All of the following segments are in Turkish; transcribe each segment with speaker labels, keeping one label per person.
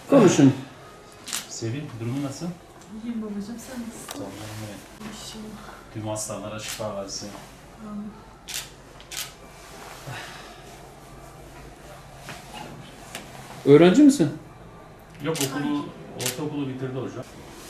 Speaker 1: Konuşun.
Speaker 2: Sevil, durumu nasıl?
Speaker 3: İyiyim babacığım, sen nasılsın?
Speaker 2: Tamam.
Speaker 3: İnşallah.
Speaker 2: Tüm hastalara şifa versin.
Speaker 3: Amin.
Speaker 1: Öğrenci misin?
Speaker 2: Yok ortaokulu bitirdi hocam.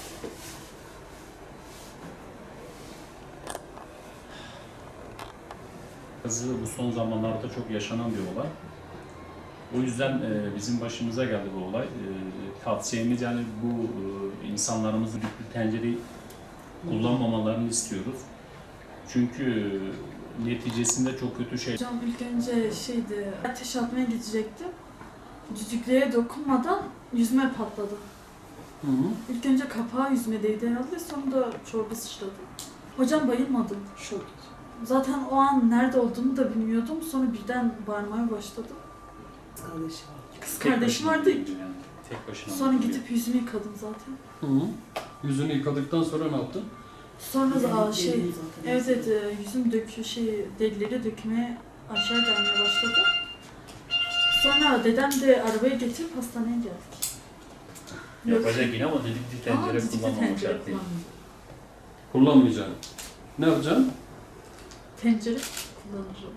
Speaker 2: Kızı bu son zamanlarda çok yaşanan bir olay. O yüzden bizim başımıza geldi bu olay. Tavsiyemiz yani bu insanlarımızı düdüklü tencereyi kullanmamalarını istiyoruz. Çünkü neticesinde çok kötü şey.
Speaker 3: Hocam ilk önce ateş atmaya gidecektim. Düdüklüye dokunmadan yüzüme patladı.
Speaker 1: Hı hı.
Speaker 3: İlk önce kapağı yüzüme değdi herhalde, sonra da çorba sıçradı. Hocam bayılmadım. Şok. Zaten o an nerede olduğumu da bilmiyordum. Sonra birden bağırmaya başladım. Kız kardeşim vardı.
Speaker 2: Yani, tek başına.
Speaker 3: Sonra gidip yüzümü yıkadım zaten.
Speaker 1: Hı hı. Yüzünü yıkadıktan sonra ne yaptın?
Speaker 3: Sonra evet yüzüm derileri dökmeye aşağı gelmeye başladı. Sonra dedem de arabaya getirip hastaneye geldik.
Speaker 2: Yapacak yine ama düdüklü tencere kullanmamak şart değil.
Speaker 1: Kullanmayacaksın. Ne yapacaksın?
Speaker 3: Tencere kullanırım.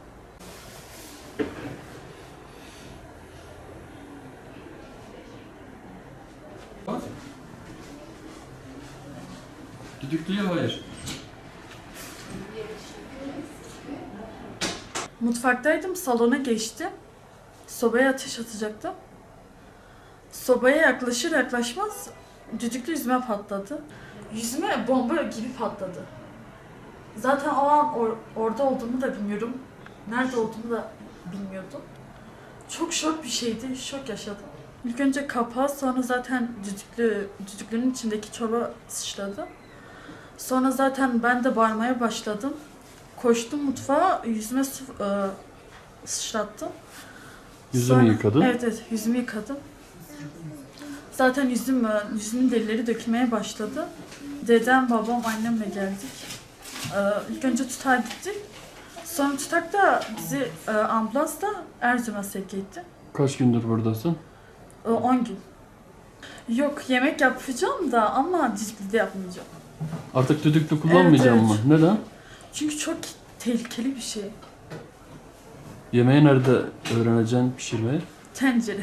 Speaker 1: Bak. Düdüklüye hayır.
Speaker 3: Mutfaktaydım, salona geçtim. Sobaya ateş atacaktım. Sobaya yaklaşır yaklaşmaz düdüklü yüzüme patladı. Yüzüme bomba gibi patladı. Zaten o an orada olduğumu da bilmiyorum. Nerede olduğumu da bilmiyordum. Çok şok bir şeydi, şok yaşadım. İlk önce kapağı, sonra zaten düdüklünün içindeki çorba sıçradı. Sonra zaten ben de bağırmaya başladım. Koştum mutfağa, yüzüme su sıçrattım.
Speaker 1: Yüzünü yıkadın.
Speaker 3: Evet, yüzümü yıkadım. Zaten yüzümün derileri dökülmeye başladı. Dedem, babam, annemle geldik. İlk önce Tutak'a gittik. Sonra Tutak da bizi ambulansla Erzurum'a sevk etti.
Speaker 1: Kaç gündür buradasın?
Speaker 3: 10 gün. Yok, yemek yapacağım da ama düdüklü de yapmayacağım.
Speaker 1: Artık düdüklü kullanmayacağım
Speaker 3: Evet,
Speaker 1: mı? Neden?
Speaker 3: Çünkü çok tehlikeli bir şey.
Speaker 1: Yemeği nerede öğreneceksin pişirmeyi?
Speaker 3: Tencere.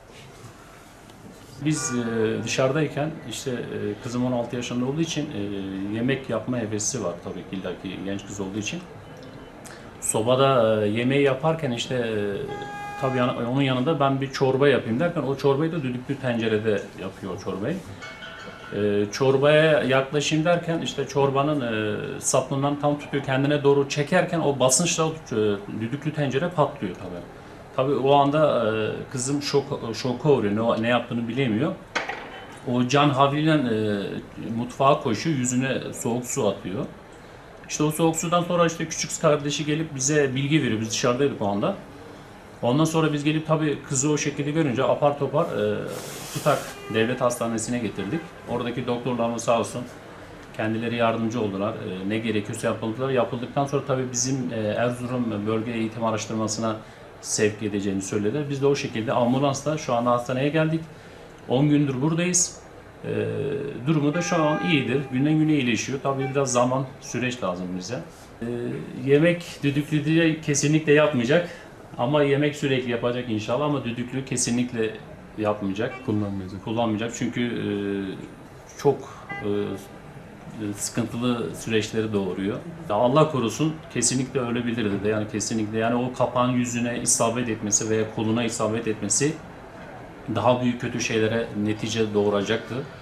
Speaker 2: Biz dışarıdayken işte kızım 16 yaşında olduğu için yemek yapma hevesi var tabii ki illaki genç kız olduğu için. Sobada yemeği yaparken işte tabii onun yanında ben bir çorba yapayım derken o çorbayı da düdüklü tencerede yapıyor çorbayı. Çorbaya yaklaşayım derken işte çorbanın sapından tam tutuyor, kendine doğru çekerken o basınçla düdüklü tencere patlıyor tabii. Tabii o anda kızım şoka uğruyor, ne yaptığını bilemiyor. O can havliyle mutfağa koşuyor, yüzüne soğuk su atıyor. İşte o soğuk sudan sonra işte küçük kardeşi gelip bize bilgi veriyor, biz dışarıdaydık o anda. Ondan sonra biz gelip tabii kızı o şekilde görünce apar topar Tutak Devlet Hastanesi'ne getirdik. Oradaki doktorlarımız sağ olsun kendileri yardımcı oldular. Ne gerekiyorsa yapıldılar. Yapıldıktan sonra tabii bizim Erzurum Bölge Eğitim Araştırması'na sevk edeceğini söylediler. Biz de o şekilde ambulansla şu anda hastaneye geldik. 10 gündür buradayız. Durumu da şu an iyidir. Günden güne iyileşiyor. Tabii biraz zaman, süreç lazım bize. Yemek düdüklü diye kesinlikle yapmayacak. Ama yemek sürekli yapacak inşallah, ama düdüklü kesinlikle yapmayacak. Kullanmayacak çünkü çok sıkıntılı süreçleri doğuruyor. Ya Allah korusun, kesinlikle ölebilirdi de, yani kesinlikle, yani o kapağın yüzüne isabet etmesi veya koluna isabet etmesi daha büyük kötü şeylere netice doğuracaktı.